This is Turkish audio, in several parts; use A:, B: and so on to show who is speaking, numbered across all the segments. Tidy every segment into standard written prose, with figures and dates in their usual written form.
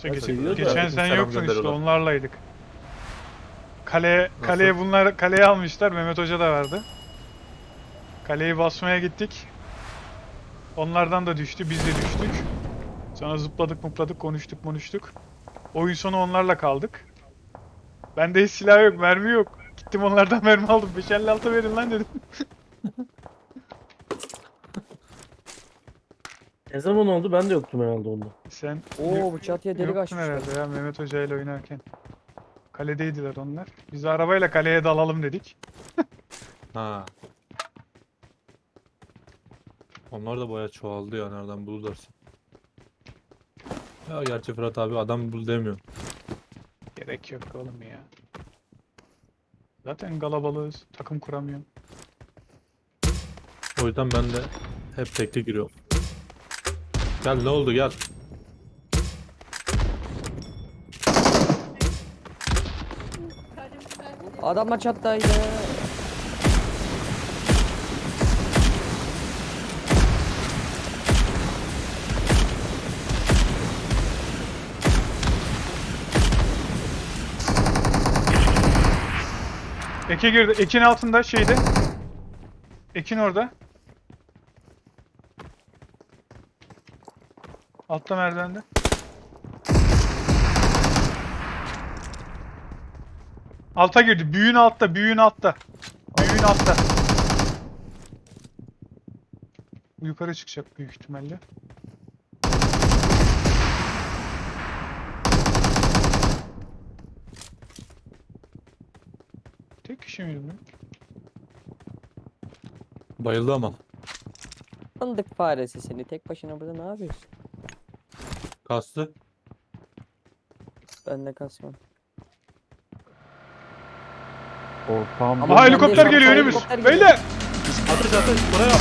A: İşte
B: Ya
A: geçen,
B: seviyor da
A: geçen sen
B: selam
A: yoktun işte
B: gönderiyorlar.
A: onlarlaydık. Kaleye bunlar kaleye almışlar. Mehmet Hoca da vardı. Kaleyi basmaya gittik. Onlardan da düştü, biz de düştük. Sonra zıpladık mupladık, konuştuk. Oyun sonu onlarla kaldık. Bende hiç silah yok, mermi yok. Gittim onlardan mermi aldım. 556 verin lan dedim.
B: Ne zaman oldu? Ben de yoktum herhalde onda.
A: Sen
C: Oo, bu çatıya delik
A: yoktun
C: açmışlar.
A: herhalde ya Mehmet Hoca ile oynarken. Kaledeydiler onlar. Biz de arabayla kaleye dalalım dedik.
D: Ha. Onlar da bayağı çoğaldı ya nereden bulurlarsa. Ya gerçi Fırat abi adam bul demiyor.
A: Gerek yok oğlum ya. Zaten kalabalığız. Takım kuramıyorum.
D: O yüzden ben de hep tekli giriyorum. Gel ne oldu gel.
C: Adamlar çattaydı.
A: Eke girdi. Ekin altında şeyde. Ekin orada. Altta merdivende. Alta girdi. Büyüğün altta. Büyüğün altta. Büyüğün altta. Bu yukarı çıkacak büyük ihtimalle. Tek kişi miydi bu?
D: Bayıldı ama.
C: Fındık faresi seni. Tek başına burada ne yapıyorsun?
D: Kastı.
C: Ben de kasmam.
B: Ortam.
A: Aha helikopter
C: ben de-
A: geliyor
C: Aha,
A: önümüz.
C: helikopter geliyor.
A: Beyler!
D: Atış buraya.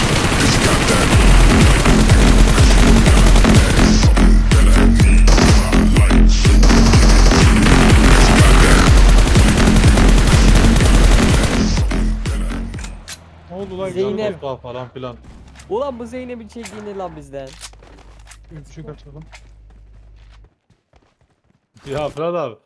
A: Ne oldu lan?
C: Zeynep.
D: Falan filan.
C: Ulan bu Zeynep'in çektiğini lan bizden.
A: Üçlük atalım.
D: Ya Fırat abi.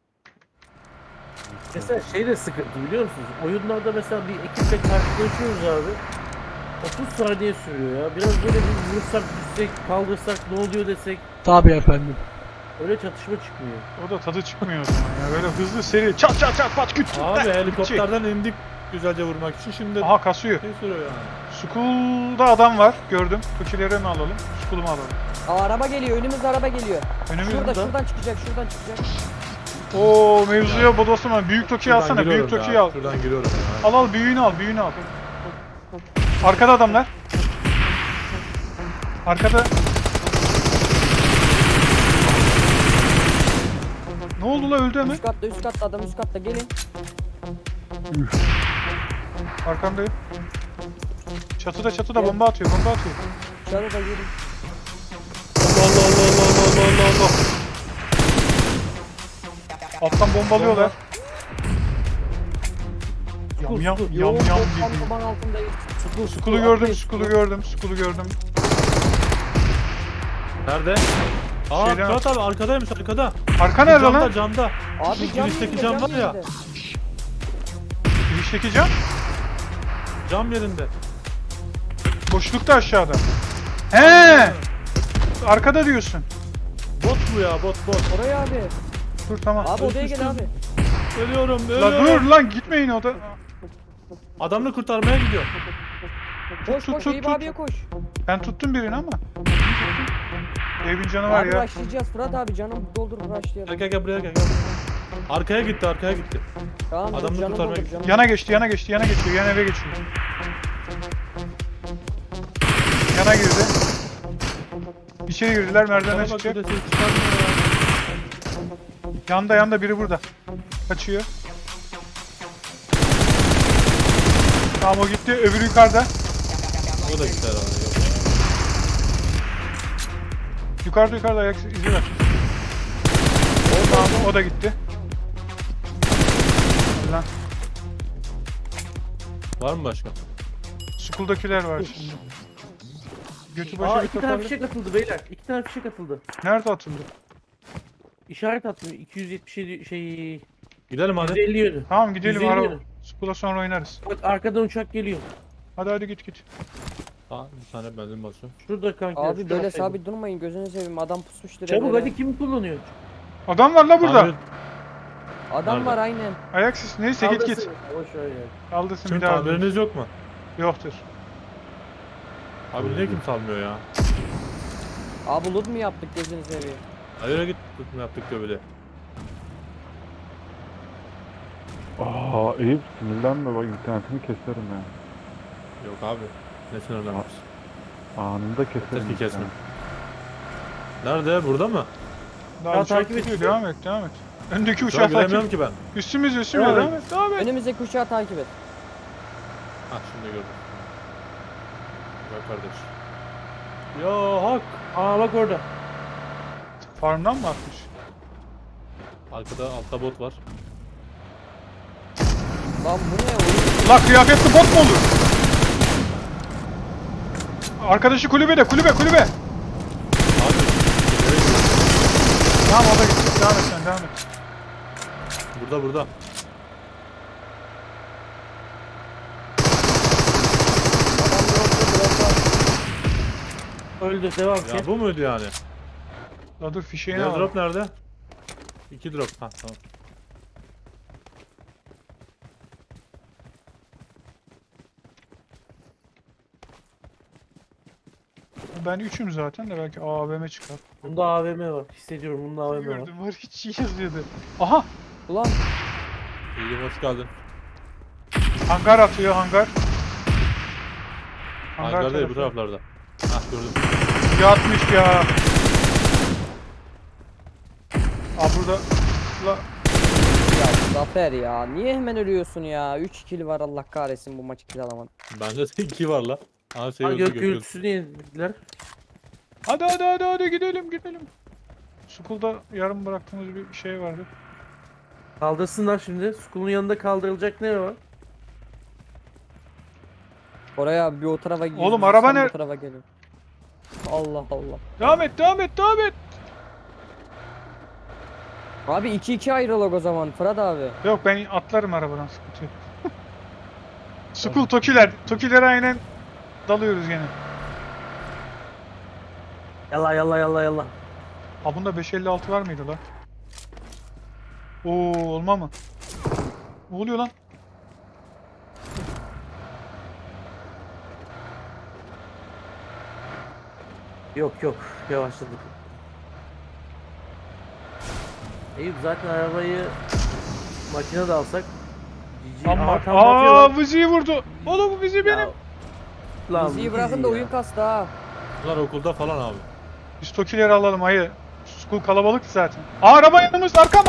B: Mesela şey de sıkıntı biliyor musunuz? Oyunlarda mesela bir ekiple karşılaşıyoruz abi. 30 saniye sürüyor ya. Biraz böyle bir vursak, düşsek, kaldırsak, ne oluyor desek.
E: Tabii efendim.
B: Öyle çatışma çıkmıyor.
A: O da tadı çıkmıyor o zaman ya. Böyle hızlı seri çat çat çat pat küt.
D: Abi helikopterden indik güzelce vurmak için şimdi
A: Aha kasıyor.
D: şey sürüyor yani.
A: School'da adam var. Gördüm. Kukileri mi alalım? School'u mu alalım?
C: Aa, araba geliyor. Önümüzde araba geliyor.
A: Önümüzde.
C: Şuradan çıkacak. Şuradan çıkacak.
A: Oo mevzuya bodoslama. Büyük Toki'yi
D: Şuradan
A: alsana.
D: giriyorum
A: Büyük
D: ya,
A: Toki'yi al.
D: Şuradan giriyorum ya.
A: Al al büyüğünü al. Büyüğünü al. Arkada adamlar. Arkada. Ne oldu la öldü hemen.
C: Üst katta adam üst katta gelin.
A: Arkandayım. Çatıda bomba atıyor. Bomba atıyor.
C: Çatıda gelin.
A: Allah Allah Allah Allah Allah Allah Allah. Alttan bombalıyorlar. Yam yam yam yam gibi.
C: Bombanın altındayız.
A: Skull'u gördüm, Skull'u gördüm, Skull'u gördüm.
D: Nerede? Aa
A: Şeyden-
D: Fırat abi arkadaymış arkada.
A: Arka nerede
D: Camda
A: lan?
D: camda.
C: Abi
D: Şu
C: cam
D: girişteki
C: yerinde,
D: cam var ya.
C: yerinde.
A: Girişteki cam.
D: Cam yerinde.
A: Boşlukta aşağıda. He! Arkada diyorsun.
D: Bot bu ya bot.
C: Oraya abi.
A: Dur tamam.
C: Abi odaya gel abi.
D: Ölüyorum
A: La
D: ölüyorum.
A: dur lan gitmeyin o da.
D: Adamını kurtarmaya gidiyor.
C: Koş
A: tut,
C: koş
A: tut,
C: Eyüp
A: tut.
C: abiye koş.
A: Ben tuttum birini ama. Evin canı var
C: Abi
A: ya.
C: rushlayacağız Fırat abi canım doldur
D: Gel
C: rushlayalım.
D: gel buraya gel. Arkaya gitti arkaya gitti.
C: Tamam
D: Adamını
C: canım
D: kurtarmaya
C: doldur
D: gidiyor.
C: canım.
A: Yana geçti, yana geçti, yana geçiyor, yan eve geçiyor. Yana girdi. İçeri girdiler, merdivenden
D: Bana bak
A: çıkacak.
D: burada ses çıkarmıyor ya.
A: Yanda biri burada. Kaçıyor. Tamam o gitti, öbürü yukarıda.
D: O da gitti herhalde. Yok.
A: Yukarıda ayak izi var. Tamam o da gitti. Lan
D: Var mı başka?
A: School'dakiler var şimdi. Götü
B: Aa
A: başı bir
B: 2 tane
A: toparlı.
B: fişek atıldı beyler. 2 tane fişek atıldı.
A: Nerede atıldı?
B: İşaret atmıyor. 277 şey.
D: Gidelim hadi.
B: 150 yönü.
A: Tamam gidelim
B: 150
A: araba.
B: yönü.
A: Spula sonra oynarız.
B: Bak arkadan uçak geliyor.
A: Hadi git git.
D: Aa, bir tane benzin basıyorum.
B: Şurada kanka.
C: Abi
B: şu
C: böyle
B: taraftaydı.
C: sabit durmayın gözünü seveyim adam pusmuştur
B: Çabuk
C: evlere.
B: hadi kim kullanıyor?
A: Adam var la burada.
D: Abi,
C: Adam
D: Nerede?
C: var aynen.
A: Ayaksız neyse git git.
B: Kaldırsın. Boş ver ya.
A: Kaldırsın
D: Şimdi
A: bir daha.
D: tamiriniz yok mu?
A: Yoktur.
D: Abi niye kim salmıyor ya?
C: Abi loot mu yaptık gözünü seveyim?
D: Hayır git tutma yaptık diyor böyle.
E: Aa Eyüp sinirlenme bak internetini keserim ya.
D: Yok abi. Ne sinirlenmiş?
E: Anında keserim.
D: Keşke kesme.
E: interneti.
D: Nerede? Burada mı?
A: Daha
B: Ya
A: uçak
B: takip et.
A: gidiyor. Devam et devam et. Öndeki
D: Şu an
A: uçağı
D: göremiyorum
A: takip.
D: ki ben.
A: Üstümüz
B: Devam
A: devam et devam et.
C: Önümüzdeki uçağı takip et.
D: Ha şimdi gördüm. Bak kardeş. Ya hak.
B: Aa bak orada.
A: Farmdan mı atmış?
D: Arkada altta bot var.
C: Lan bu ne oyun?
A: La kıyafetli bot mu olur? Arkadaşı kulübede kulübe.
D: Abi.
A: Tamam o da gitti. Devam et sen devam et.
D: Burada.
B: Öldü devam
D: Ya
B: et.
D: bu muydu yani?
A: La dur fişeğini
D: Diğer
A: al.
D: drop nerede? 2 drop. Ha tamam.
A: Ben üçüm zaten de belki AVM çıkar.
B: Bunda AVM var. Hissediyorum bunda AVM var.
A: Gördüm var hiç iyi yazıyordu. Aha
C: Ulan
D: İyi hoş geldin.
A: hangar atıyor hangar.
D: Hangar değil bu
A: tarafı.
D: taraflarda. Ha gördüm.
A: Yatmış ya. Aa burada la
C: ya Zafer ya niye hemen ölüyorsun ya? 3 kill var Allah kahretsin bu maçı kill alamadım.
D: Bende de 2 var la. Aha şey
B: Ha,
D: öldü
B: gök
D: gök öldü.
B: gürültüsünü yediler.
A: hadi gidelim. School'da yarım bıraktığımız bir şey vardı.
B: Kaldırsınlar şimdi. School'un yanında kaldırılacak ne var?
C: Oraya abi bir o tarafa gidiyor.
A: Oğlum, araba
C: sen
A: ne-
C: Bu tarafa geliyor. Allah Allah.
A: Devam et.
C: Abi 2-2 ayrılık o zaman Fırat abi.
A: Yok ben atlarım arabadan sıkıntı yok. School Tokilere aynen dalıyoruz gene.
B: Yalla.
A: Ha bunda 556 var mıydı lan? Oo olma mı? Ne oluyor lan?
B: Yok yavaşladık. Eyüp zaten arabayı makinede alsak GG.
A: Ama
B: Aha, tam bakıyorlar.
A: Vizi'yi vurdu. Oğlum bu Vizi benim.
B: Ya, lan
C: Bizi
B: bu
C: bırakın
B: dizi
C: da
B: ya.
C: oyun kastı ha.
D: Bunlar okulda falan abi.
A: Biz Tokileri alalım hayır. School kalabalık zaten. Aa, araba yanımız arkam.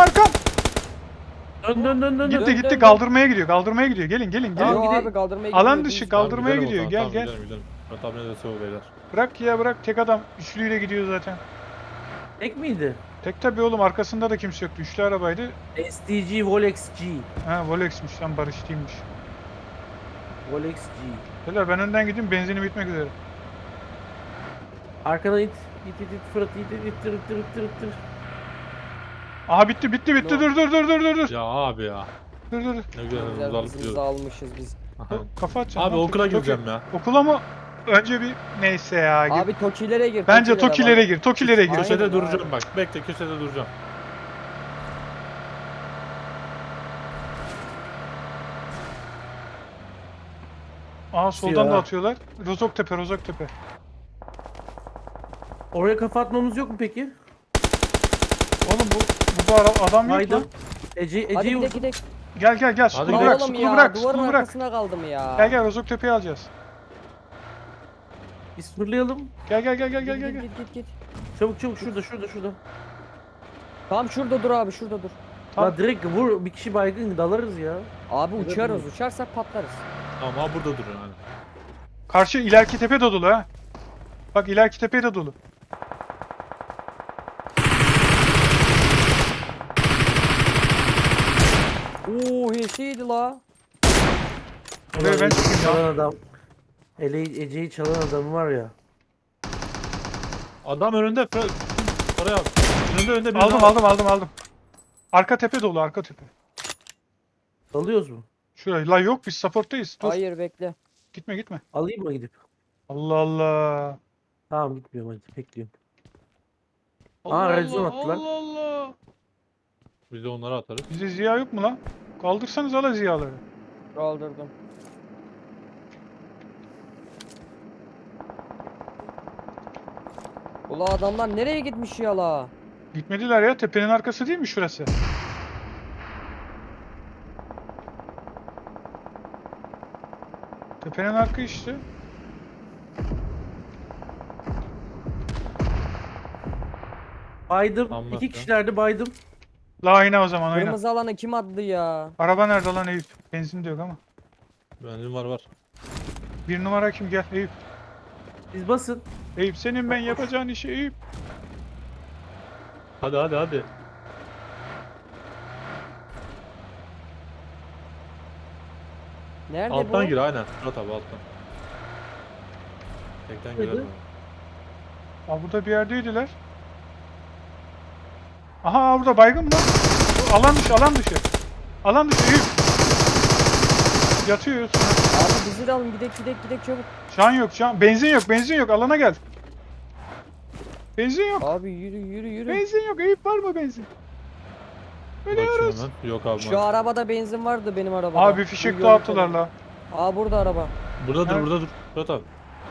B: Dön.
A: Gitti
C: dön.
A: kaldırmaya gidiyor. Gelin.
B: Tamam,
C: Yok
B: gidelim.
C: abi kaldırmaya
A: Alan
C: gidiyor,
A: dışı
C: biz-
A: kal- Kaldırmaya
D: Tamam,
A: gidiyor,
D: gidelim o
A: gel,
D: zaman, tamam, gidelim. Murat abine de sev beyler.
A: Bırak tek adam üçlüyle gidiyor zaten.
B: Tek miydi?
A: Tek tabi oğlum arkasında da kimse yoktu. Üçlü arabaydı.
B: STG Volex G.
A: Ha Volex'miş lan Barış değilmiş.
B: Volex G.
A: Beyler ben önden gideyim benzinim bitmek üzere.
B: Arkadan it Fırat ittir.
A: Aha bitti
C: No.
A: dur.
D: Ya abi ya.
A: Dur.
D: Ne güzel
C: Güzel
D: uzanıp
C: hızımızı
D: gidiyoruz.
C: almışız biz.
A: Kafa atacağım.
D: Abi
A: lan.
D: okula
A: Toki-
D: gireceğim ya.
A: Okula mı? Önce bir neyse ya. Gir.
C: Abi Tokilere gir.
A: Bence
C: Tokilere bak.
A: Tokilere gir.
C: Aynen
D: Köşede
C: abi.
D: duracağım bak. Bekle köşede duracağım.
A: Aa soldan
B: Ya.
A: da atıyorlar. Rozoktepe.
B: Oraya kafa atmamız yok mu peki?
A: Oğlum bu adam yok
B: Haydi.
A: lan.
C: Hadi
B: Ece'yi
C: gidelim
B: vur.
C: gidelim.
A: Gel.
D: Hadi
A: Skulu
D: gidelim.
A: bırak.
C: Oğlum
A: Skulu
C: ya
A: bırak.
C: duvarın
A: Skulu bırak.
C: arkasına kaldım ya.
A: Gel Rozoktepe'yi alacağız.
B: Biz fırlayalım.
A: Gel.
C: Git.
B: Çabuk şurada.
C: Tamam şurada dur abi şurada dur.
A: Tamam.
B: La direkt vur bir kişi baygın dalarız ya.
C: Abi
B: Evet,
C: uçarız
B: evet.
C: uçarsak patlarız.
D: Tamam abi burada dur yani.
A: Karşı ileriki tepe de dolu ha. Bak ileriki tepe de dolu.
C: Oo HS'ydi la.
A: Oraya ben çıkayım ya.
B: Çalan adam. Ece'yi çalan adam var ya.
D: Adam önünde. Oraya abi. önde bir
A: Aldım. Arka tepe dolu, arka tepe.
B: Alıyoruz mu?
A: Şurayı. La yok, biz supporttayız. Dur.
C: Hayır bekle.
A: Gitme.
B: Alayım mı gidip?
A: Allah Allah.
B: Tamam gitmiyorum hadi bekliyorum.
A: Allah
B: red zone
A: Allah,
B: attılar.
A: Allah Allah.
D: Biz de onları atarız.
A: Bizde Ziya yok mu lan? Kaldırsanız ala Ziyaları.
C: Kaldırdım. Ula adamlar nereye gitmiş ya la?
A: Gitmediler ya, tepenin arkası değil mi şurası? Tepenin arka işte.
B: Baydım.
D: Anlat
B: 2
D: ya.
B: kişilerdi baydım.
A: La ayna o zaman ayna.
C: Kırmızı alanı kim attı ya?
A: Araba nerede lan Eyüp? Benzin de yok ama.
D: Benzin var.
A: Bir numara kim, gel Eyüp.
B: Siz basın.
A: Eyüp senin ben yapacağın işi Eyüp.
D: Hadi.
C: Nerede
D: Alttan
C: bu?
D: gir aynen. Murat abi alttan. Tekten
B: Nerede?
D: girelim.
A: Aa, burada bir yerdeydiler. Aha burada baygın mı lan? Alan dışı. Alan dışı Eyüp. Yatıyor.
C: Abi bizi de alın gidek çabuk.
A: Şu an. Benzin yok. Alana gel. Benzin yok.
C: Abi yürü.
A: Benzin yok. Eyüp var mı benzin?
D: Bakıyorum
A: Ölüyoruz.
D: ben. Yok abi.
C: Şu arabada benzin vardı benim arabada.
A: Abi fişek
C: Bu
A: dağıttılar
C: yolda.
A: la.
C: Aa burada araba.
D: Burada
A: Evet.
D: dur. Murat abi.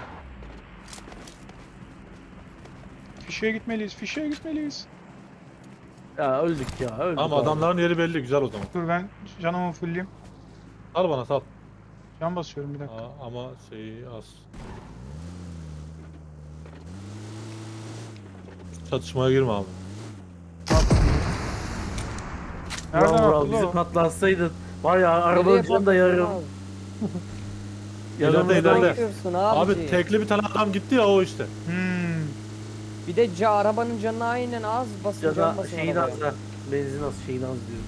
A: Fişeğe gitmeliyiz.
B: Ya öldük ya öldük.
D: Ama
B: abi.
D: adamların yeri belli. Güzel o zaman.
A: Dur ben canımı fullleyeyim.
D: Sal bana sal.
A: Can basıyorum bir dakika.
D: Ama şeyi az. Çatışmaya girme abi.
A: Nereden
B: Ulan Vural,
A: attı
B: bizi
A: o?
B: patlatsaydın. Var ya arabanın
C: Nereye
B: canı da yarım.
C: patladın
B: Yarım
D: İleride,
C: abi?
D: ileride.
C: Bakıyorsun
D: Abi
C: abi.
D: tekli bir tane adam gitti ya o işte.
C: Bir de arabanın canına aynen az basın
B: Ya
C: can
B: da
C: basın
B: şeyin
C: arabaya.
B: az ha. Benzin az şeyin az diyor.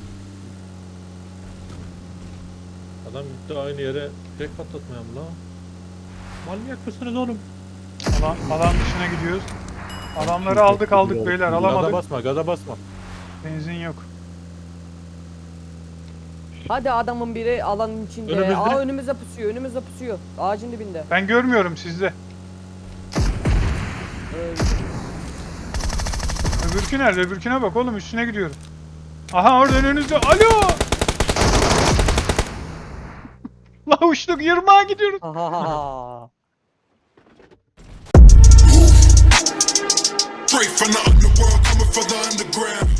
D: Adam gitti aynı yere tek patlatmaya mı lan? Manyak mısınız oğlum?
A: Alan dışına gidiyoruz. Adamları aldık beyler,
D: Gaza
A: alamadık.
D: gaza basma.
A: Benzin yok.
C: Hadi adamın biri alanın içinde.
D: Önümüzde.
C: Aa önümüzde pusuyor. Ağacın dibinde.
A: Ben görmüyorum sizde.
C: Öyle.
A: Öbürkü nerede? Öbürküne bak oğlum, üstüne gidiyorum. Aha orada önünüzde. Alo! La uçtuk, yırmağa gidiyoruz.
C: Ha.
F: Straight from the underworld, coming from the underground.